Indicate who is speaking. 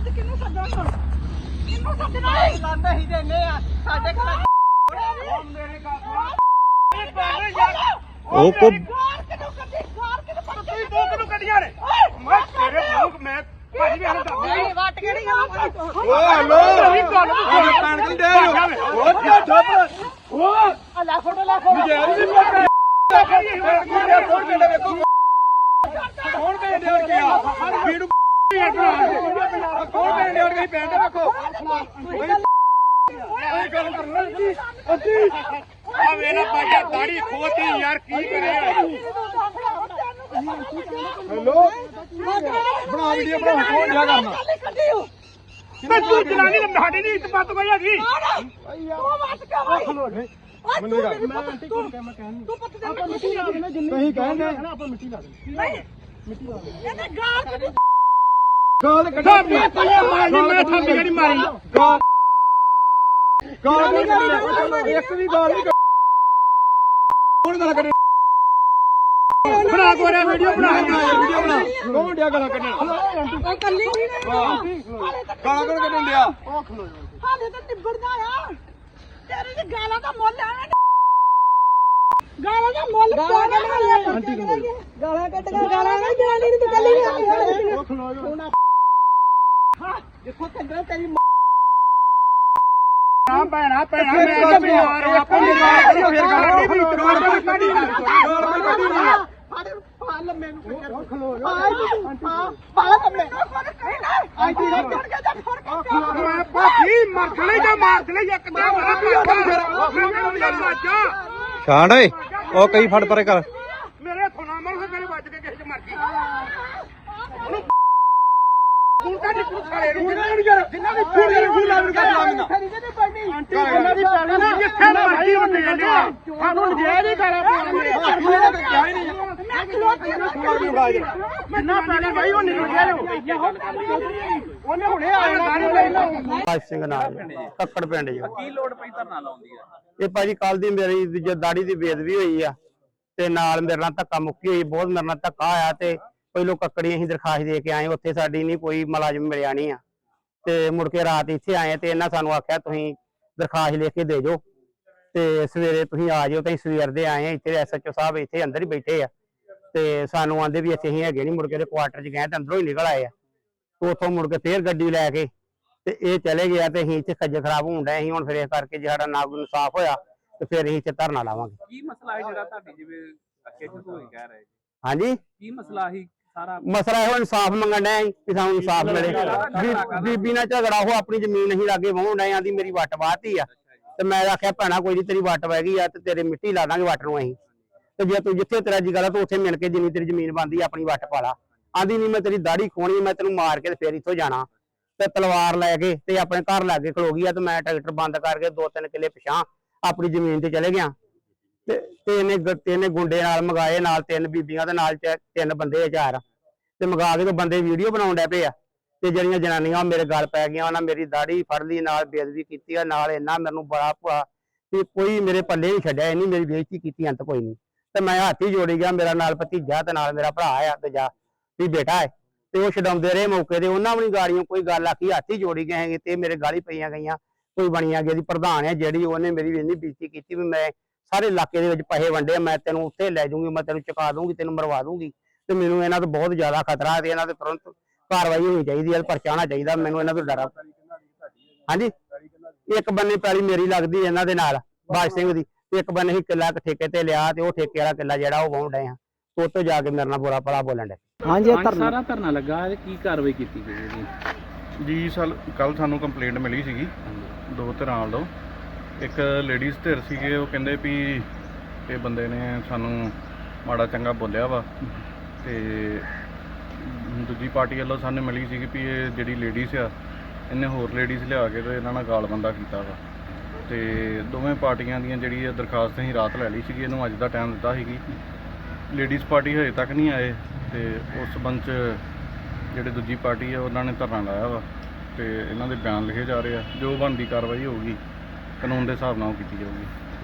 Speaker 1: ਕਿਹਨੂੰ ਸੱਦਣਾ ਕਿਹਨੂੰ ਸੱਦਣਾ ਲਾਂਦੇ ਹੀ ਦੇਨੇ ਆ ਸਾਡੇ ਘਰ ਮੇਰੇ
Speaker 2: ਉਹ ਕੋ
Speaker 1: ਗਾਰ ਕਿਹਨੂੰ ਕੱਢੀ ਗਾਰ ਕਿਹਨੂੰ
Speaker 3: ਤੁਸੀਂ ਦੋ ਕਿਹਨੂੰ ਕੱਢੀਆਂ ਨੇ ਮੈਂ ਤੇਰੇ ਮੂੰਹ ਮੈਂ ਭਾਜੀ ਵੀ ਇਹਨੂੰ ਦੱਸ
Speaker 1: ਨਹੀਂ ਵੱਟ ਕਿਹੜੀ ਗੱਲ
Speaker 2: ਓ ਹਲੋ ਕਣਕ ਦੇ ਉਹ ਕੀ ਠੱਪ
Speaker 1: ਉਹ ਲੈ ਫੋਟੋ ਲੈ ਫੋਟੋ
Speaker 2: ਨਜਾਇਜ਼ ਨਹੀਂ ਪਤਾ ਕੌਣ ਕਹਿੰਦਾ ਵੇਖੋ ਕੌਣ ਕਹਿੰਦੇ ਹੋਰ ਕੀ ਆ ਵੀਡੀਓ ਕੌਣ ਕਹਿੰਦੇ ਹੋਰ ਕੀ ਪੈਂਦੇ ਵੇਖੋ ਇਹ ਗੱਲ ਕਰਨਾ ਜੀ ਅਸੀਂ
Speaker 3: ਆ ਵੇਲਾ ਬਾਜਾ ਦਾੜੀ ਖੋਤੀ ਯਾਰ ਕੀ ਕਰੇ
Speaker 2: ਹੈਲੋ ਬਣਾ ਵੀਡੀਓ ਬਣਾ ਕੌਣ ਜਾ ਕਰਨਾ
Speaker 3: ਮੈਂ ਤੂੰ ਜਨਾਨੀ ਦਾ ਸਾਡੀ ਨਹੀਂ ਇੱਜ਼ਤ ਕੋਈ ਹੈਗੀ
Speaker 1: ਉਹ ਵੱਟ ਕੇ
Speaker 2: ਖਲੋ ਨਹੀਂ
Speaker 1: ਮੈਂ ਆਂਟੀ ਕੋਲ ਕਹਿ ਮੈਂ ਕਹਿਣੀ ਤੂੰ ਪੱਤ ਦੇ ਮਿੱਟੀ ਲਾ ਦੇਣਾ ਜਿੰਨੀ
Speaker 2: ਤੁਸੀਂ ਕਹਿੰਦੇ ਆਪਾਂ ਮਿੱਟੀ ਲਾ ਦੇ
Speaker 1: ਨਹੀਂ ਮਿੱਟੀ ਲਾ ਦੇ ਇਹਨੇ ਗਾਲ ਕਿਹਨੂੰ
Speaker 2: ਗਾਲ
Speaker 3: ਸਾਬੀ ਤੂੰ ਮਾਰਨੀ ਮੈਂ ਥਾਪੀ ਜਿਹੜੀ ਮਾਰੀ
Speaker 2: ਗਾਲ ਨਹੀਂ ਇੱਕ ਵੀ ਗਾਲ ਨਹੀਂ ਕੌਣ ਗਾਲਾਂ ਕੱਢੇ
Speaker 3: ਬਣਾ ਕੋਰਿਆ ਵੀਡੀਓ ਬਣਾ
Speaker 2: ਵੀਡੀਓ ਬਣਾ ਕੌਣ ਡਿਆ ਗਾਲਾਂ ਕੱਢਣ
Speaker 1: ਉਹ ਕੱਲੀ ਨਹੀਂ
Speaker 2: ਗਾਲਾਂ ਕੌਣ ਕੱਢਣ ਡਿਆ
Speaker 1: ਹਾਲੇ ਤਾਂ ਨਿਬੜਦਾ ਆ ਤੇਰੇ ਦੀ ਗਾਲਾਂ ਦਾ ਮੁੱਲ ਆ ਗਾਲਾਂ ਦਾ ਮੁੱਲ ਆਂਟੀ ਗਾਲਾਂ ਕੱਢ ਕੇ ਗਾਲਾਂ ਨਹੀਂ ਜਨਾਨੀ ਨੂੰ ਕੱਲੀ ਨਹੀਂ
Speaker 2: ਉਹ ਖਲੋ ਜਾ
Speaker 1: ਹਾਂ ਦੇਖੋ ਕੰਦਰਾ ਤੇਰੀ
Speaker 3: ਆ ਭੈਣਾ ਭੈਣਾ ਮੈਂ ਤਾਂ ਬਿਮਾਰ ਹਾਂ ਆਪਾਂ ਫਿਰ ਗਾੜੀ ਵੀ ਤਰੋੜ ਕੇ ਕੱਢੀ
Speaker 1: ਫੜ ਮੈਨੂੰ
Speaker 2: ਉਹ ਖਲੋ ਜਾ
Speaker 1: ਹਾਂ ਫੜ ਮੈਨੂੰ ਆਂਟੀ ਦਾ ਚੜ ਕੇ ਜਾ ਫੜ ਕੇ
Speaker 3: ਮੈਂ ਬਾਕੀ ਮਰਖਲੇ ਜਾਂ ਮਾਰਖਲੇ ਇੱਕ ਦਾ ਮੈਂ ਬਾਜਾ
Speaker 2: ਛਾਂਡ ਓਏ ਉਹ ਕਈ ਫੜ ਪਰੇ ਕਰ
Speaker 3: ਮੇਰੇ ਥੋਣਾ ਮਰ ਮੇਰੇ ਵੱਜ ਕੇ ਕਿਸੇ ਚ ਮਰ ਗਈ ਤੂੰ ਕਾਹਦੀ ਪੁੱਛਾਲੇ ਨੂੰ
Speaker 2: ਜਿੰਨਾ ਦੀ ਫੂਲ ਕਰ ਫੂਲ ਲਾਵਣ ਕਰ ਲਾਵਣਾ
Speaker 1: ਖਰੀਦੇ ਪੜਨੀ
Speaker 3: ਆਂਟੀ ਉਹਨਾਂ ਦੀ ਪੈਣਾ ਨਾ ਜਿੱਥੇ ਮਰਜੀ ਹੁੰਦੇ ਜਾਂਦੇ ਆ ਸਾਨੂੰ ਨਜਾਇਜ਼ ਹੀ ਗਾਲਾਂ ਪਾਉਂਦੇ
Speaker 1: ਮੈਂ ਖਲੋਤੀ
Speaker 3: ਜਿੰਨਾ ਪੈਣਾ ਬਾਈ ਉਹ ਨਿਕਲ ਗਿਆ ਉਹਨੇ ਹੁਣੇ ਆ ਜਾਣਾ
Speaker 2: ਭਾਜ ਸਿੰਘ ਨਾਲ ਕੱਕੜ ਪਿੰਡ ਜੀ
Speaker 4: ਕੀ ਲੋੜ ਪਈ ਧਰਨਾ ਲਾਉਣ ਦੀ
Speaker 2: ਇਹ ਭਾਜੀ ਕੱਲ ਦੀ ਮੇਰੀ ਜੋ ਦਾੜੀ ਦੀ ਬੇਦਬੀ ਹੋਈ ਆ ਤੇ ਨਾਲ ਮੇਰੇ ਨਾਲ ਧੱਕਾ ਮੁੱਕੀ ਹੋਈ ਬਹੁਤ ਮੇਰੇ ਨਾਲ ਧੱਕਾ ਆਇਆ ਤੇ ਪਹਿਲੋਂ ਕੱਕੜੀ ਅਸੀਂ ਦਰਖਾਸਤ ਦੇ ਕੇ ਆਏ ਉੱਥੇ ਸਾਡੀ ਨਹੀਂ ਕੋਈ ਮੁਲਾਜ਼ਮ ਮਿਲਿਆ ਨਹੀਂ ਆ ਤੇ ਮੁੜ ਕੇ ਰਾਤ ਇੱਥੇ ਆਏ ਤੇ ਇਹਨਾਂ ਸਾਨੂੰ ਆਖਿਆ ਤੁਸੀਂ ਦਰਖਾਸਤ ਲਿਖ ਕੇ ਦੇ ਜਾਓ ਤੇ ਸਵੇਰੇ ਤੁਸੀਂ ਆ ਜਾਓ ਤੇ ਸਵੇਰ ਦੇ ਆਏ ਇੱਥੇ ਐਸਐਚਓ ਸਾਹਿਬ ਇੱਥੇ ਅੰਦਰ ਹੀ ਬੈਠੇ ਆ ਤੇ ਸਾਨੂੰ ਆਂਦੇ ਵੀ ਇੱਥੇ ਅਸੀਂ ਹੈਗੇ ਨਹੀਂ ਮੁੜ ਕੇ ਕੁਆਟਰ 'ਚ ਗਏ ਤੇ ਅੰਦਰੋਂ ਹੀ ਨਿਕਲ ਆਏ ਆ ਉੱਥੋਂ ਮੁੜ ਕੇ ਫੇਰ ਗੱਡੀ ਲੈ ਕੇ ਤੇ ਇਹ ਚਲੇ ਗਿਆ ਤੇ ਅਸੀਂ ਇੱਥੇ ਖੱਜਲ ਖਰਾਬ ਹੋਣ ਡਏ ਅਸੀਂ ਹੁਣ ਫਿਰ ਇਸ ਕਰਕੇ ਜੇ ਸਾਡਾ ਨਾ ਕੋਈ ਇਨਸਾਫ ਹੋਇਆ ਤੇ ਫਿਰ ਅਸੀਂ ਇੱਥੇ ਧਰਨਾ ਲਾਵਾਂਗੇ
Speaker 4: ਕੀ ਮਸਲਾ ਹੈ ਜਿਹੜਾ ਤੁਹਾਡੀ ਜਿਵੇਂ ਅੱਗੇ ਹੋਈ ਕਹਿ ਰਹੇ
Speaker 2: ਹਾਂਜੀ
Speaker 4: ਕੀ ਮਸਲਾ ਹੀ ਸਾਰਾ
Speaker 2: ਮਸਲਾ ਇਹੋ ਇਨਸਾਫ ਮੰਗਣ ਡਿਆ ਕਿ ਸਾਨੂੰ ਇਨਸਾਫ ਮਿਲੇ ਬੀਬੀ ਨਾਲ ਝਗੜਾ ਉਹ ਆਪਣੀ ਜ਼ਮੀਨ ਅਸੀਂ ਲਾਗੇ ਵਾਹੁਣ ਡਏ ਆਂਦੀ ਮੇਰੀ ਵੱਟ ਵਾਹਤੀ ਆ ਤੇ ਮੈਂ ਆਖਿਆ ਭੈਣਾ ਕੋਈ ਨਹੀਂ ਤੇਰੀ ਵੱਟ ਵਹਿ ਗਈ ਆ ਤੇ ਤੇਰੇ ਮਿੱਟੀ ਲਾ ਦਾਂਗੇ ਵੱਟ ਨੂੰ ਅਸੀਂ ਤੇ ਜੇ ਤੂੰ ਜਿੱਥੇ ਤੇਰਾ ਜੀ ਤੂੰ ਉੱਥੇ ਮਿਲ ਕੇ ਜਿੰਨੀ ਤੇਰੀ ਜ਼ਮੀਨ ਬਣਦੀ ਆਪਣੀ ਵੱਟ ਪਾ ਲਾ ਆਂਦੀ ਨਹੀਂ ਮੈਂ ਤੇਰੀ ਦਾੜੀ ਖੋਣੀ ਮੈਂ ਤੈਨੂੰ ਮਾਰ ਕੇ ਤੇ ਫੇਰ ਇੱਥੋਂ ਜਾਣਾ ਤੇ ਤਲਵਾਰ ਲੈ ਕੇ ਤੇ ਆਪਣੇ ਘਰ ਲਾਗੇ ਖਲੋ ਗਈ ਆ ਤੇ ਮੈਂ ਟਰੈਕਟਰ ਬੰਦ ਕਰਕੇ 2-3 ਕਿੱਲੇ ਪਿਛਾਂ ਆਪਣੀ ਜ਼ਮੀਨ ਤੇ ਚਲੇ ਗਿਆ ਤੇ ਇਹਨੇ ਗੁੰਡੇ ਨਾਲ ਮੰਗਾਏ ਨਾਲ 3 ਬੀਬੀਆਂ ਦੇ ਨਾਲ 3 ਬੰਦੇ 4 ਤੇ ਮੰਗਾ ਕੇ ਤੇ ਬੰਦੇ ਵੀਡੀਓ ਬਣਾਉਣ ਡੈ ਪਏ ਆ ਤੇ ਜਿਹੜੀਆਂ ਜਨਾਨੀਆਂ ਮੇਰੇ ਗਲ ਪੈ ਗਈਆਂ ਉਹਨਾਂ ਮੇਰੀ ਦਾੜੀ ਫੜ ਲਈ ਨਾਲ ਬੇਇੱਜ਼ਤੀ ਕੀਤੀ ਆ ਨਾਲ ਇੰਨਾ ਮੈਨੂੰ ਬੜਾ ਭੁਆ ਕਿ ਕੋਈ ਮੇਰੇ ਪੱਲੇ ਨਹੀਂ ਛੱਡਿਆ ਇੰਨੀ ਮੇਰੀ ਬੇਇੱਜ਼ਤੀ ਕੀਤੀ ਅੰਤ ਕੋਈ ਨਹੀਂ ਤੇ ਮੈਂ ਹੱਥ ਹੀ ਜੋੜੀ ਗਿਆ ਮੇਰਾ ਨਾਲ ਭਤੀਜਾ ਤੇ ਨਾਲ ਮੇਰਾ ਭਰਾ ਆ ਤੇ ਜਾ ਵੀ ਬੇਟਾ ਹੈ ਤੇ ਉਹ ਛਡਾਉਂਦੇ ਰਹੇ ਮੌਕੇ ਤੇ ਉਹਨਾਂ ਵੀ ਗਾੜੀਆਂ ਕੋਈ ਗੱਲ ਆਖੀ ਹੱਥ ਹੀ ਜੋੜੀ ਗਏ ਹੈਗੇ ਤੇ ਮੇਰੇ ਗਾਲੀ ਪਈਆਂ ਗਈਆਂ ਕੋਈ ਬਣੀਆਂ ਗਈ ਦੀ ਪ੍ਰਧਾਨ ਹੈ ਜਿਹੜੀ ਉਹਨੇ ਮੇਰੀ ਇੰਨੀ ਬੇਇੱਜ਼ਤੀ ਕੀਤੀ ਵੀ ਮੈਂ ਸਾਰੇ ਇਲਾਕੇ ਦੇ ਵਿੱਚ ਪੈਸੇ ਵੰਡੇ ਮੈਂ ਤੈਨੂੰ ਉੱਥੇ ਲੈ ਜਾਊਂਗੀ ਮੈਂ ਤੈਨੂੰ ਚੁਕਾ ਦੂੰਗੀ ਤੈਨੂੰ ਮਰਵਾ ਦੂੰਗੀ ਤੇ ਮੈਨੂੰ ਇਹਨਾਂ ਤੋਂ ਬਹੁਤ ਜ਼ਿਆਦਾ ਖਤਰਾ ਹੈ ਤੇ ਇਹਨਾਂ ਤੇ ਤੁਰੰਤ ਕਾਰਵਾਈ ਹੋਣੀ ਚਾਹੀਦੀ ਹੈ ਪਰਚਾ ਹੋਣਾ ਚਾਹੀਦਾ ਮੈਨੂੰ ਇਹਨਾਂ ਤੋਂ ਡਰ ਹਾਂਜੀ ਇੱਕ ਬੰਨੇ ਪੈਲੀ ਮੇਰੀ ਲੱਗਦੀ ਇਹਨਾਂ ਦੇ ਨਾਲ ਬਾਜ ਸਿੰਘ ਦੀ ਇੱਕ ਬੰਨੇ ਹੀ ਕਿੱਲਾ ਠੇਕੇ ਤੇ ਲਿਆ ਤੇ ਉਹ ਠੇਕੇ ਵਾਲਾ ਕਿੱਲਾ ਜਿਹੜਾ ਉਹ ਵਾਹੁਣ ਡਏ ਆ ਉੱਥੋਂ ਜਾ ਕੇ ਮੇਰੇ ਨਾਲ ਬੁਰਾ ਭਲਾ ਬੋਲਣ ਡੇ
Speaker 4: ਹਾਂਜੀ ਸਾਰਾ ਧਰਨਾ ਲੱਗਾ ਤੇ ਕੀ ਕਾਰਵਾਈ ਕੀਤੀ ਗਈ
Speaker 5: ਜੀ ਕੱਲ ਸਾਨੂੰ ਕੰਪਲੇਂਟ ਮਿਲੀ ਸੀਗੀ 2 ਧਿਰਾਂ ਵੱਲੋਂ ਇੱਕ ਲੇਡੀਜ਼ ਧਿਰ ਸੀਗੇ ਉਹ ਕਹਿੰਦੇ ਵੀ ਇਹ ਬੰਦੇ ਨੇ ਸਾਨੂੰ ਮਾੜਾ ਚੰਗਾ ਬੋਲਿਆ ਵਾ ਤੇ ਦੂਜੀ ਪਾਰਟੀ ਵੱਲੋਂ ਸਾਨੂੰ ਮਿਲੀ ਸੀਗੀ ਵੀ ਇਹ ਜਿਹੜੀ ਲੇਡੀਜ਼ ਆ ਇਹਨੇ ਹੋਰ ਲੇਡੀਜ਼ ਲਿਆ ਕੇ ਤੇ ਇਹਨਾਂ ਨਾਲ ਗਾਲਬੰਦਾ ਕੀਤਾ ਵਾ ਤੇ ਦੋਵੇਂ ਪਾਰਟੀਆਂ ਦੀਆਂ ਜਿਹੜੀ ਇਹ ਦਰਖਾਸਤ ਅਸੀਂ ਰਾਤ ਲੈ ਲਈ ਸੀਗੀ ਇਹਨੂੰ ਅੱਜ ਦਾ ਟਾਈਮ ਦਿੱਤਾ ਸੀਗੀ ਲੇਡੀਜ਼ ਪਾਰਟੀ ਹਜੇ ਤੱਕ ਨਹੀਂ ਆਏ ਤੇ ਉਸ ਸੰਬੰਧ 'ਚ ਜਿਹੜੇ ਦੂਜੀ ਪਾਰਟੀ ਆ ਉਹਨਾਂ ਨੇ ਧਰਨਾ ਲਾਇਆ ਵਾ ਤੇ ਇਹਨਾਂ ਦੇ ਬਿਆਨ ਲਿਖੇ ਜਾ ਰਹੇ ਆ ਜੋ ਬਣਦੀ ਕਾਰਵਾਈ ਹੋਊਗੀ ਕਾਨੂੰਨ ਦੇ ਹਿਸਾਬ ਨਾਲ ਕੀਤੀ ਜਾਊਗੀ।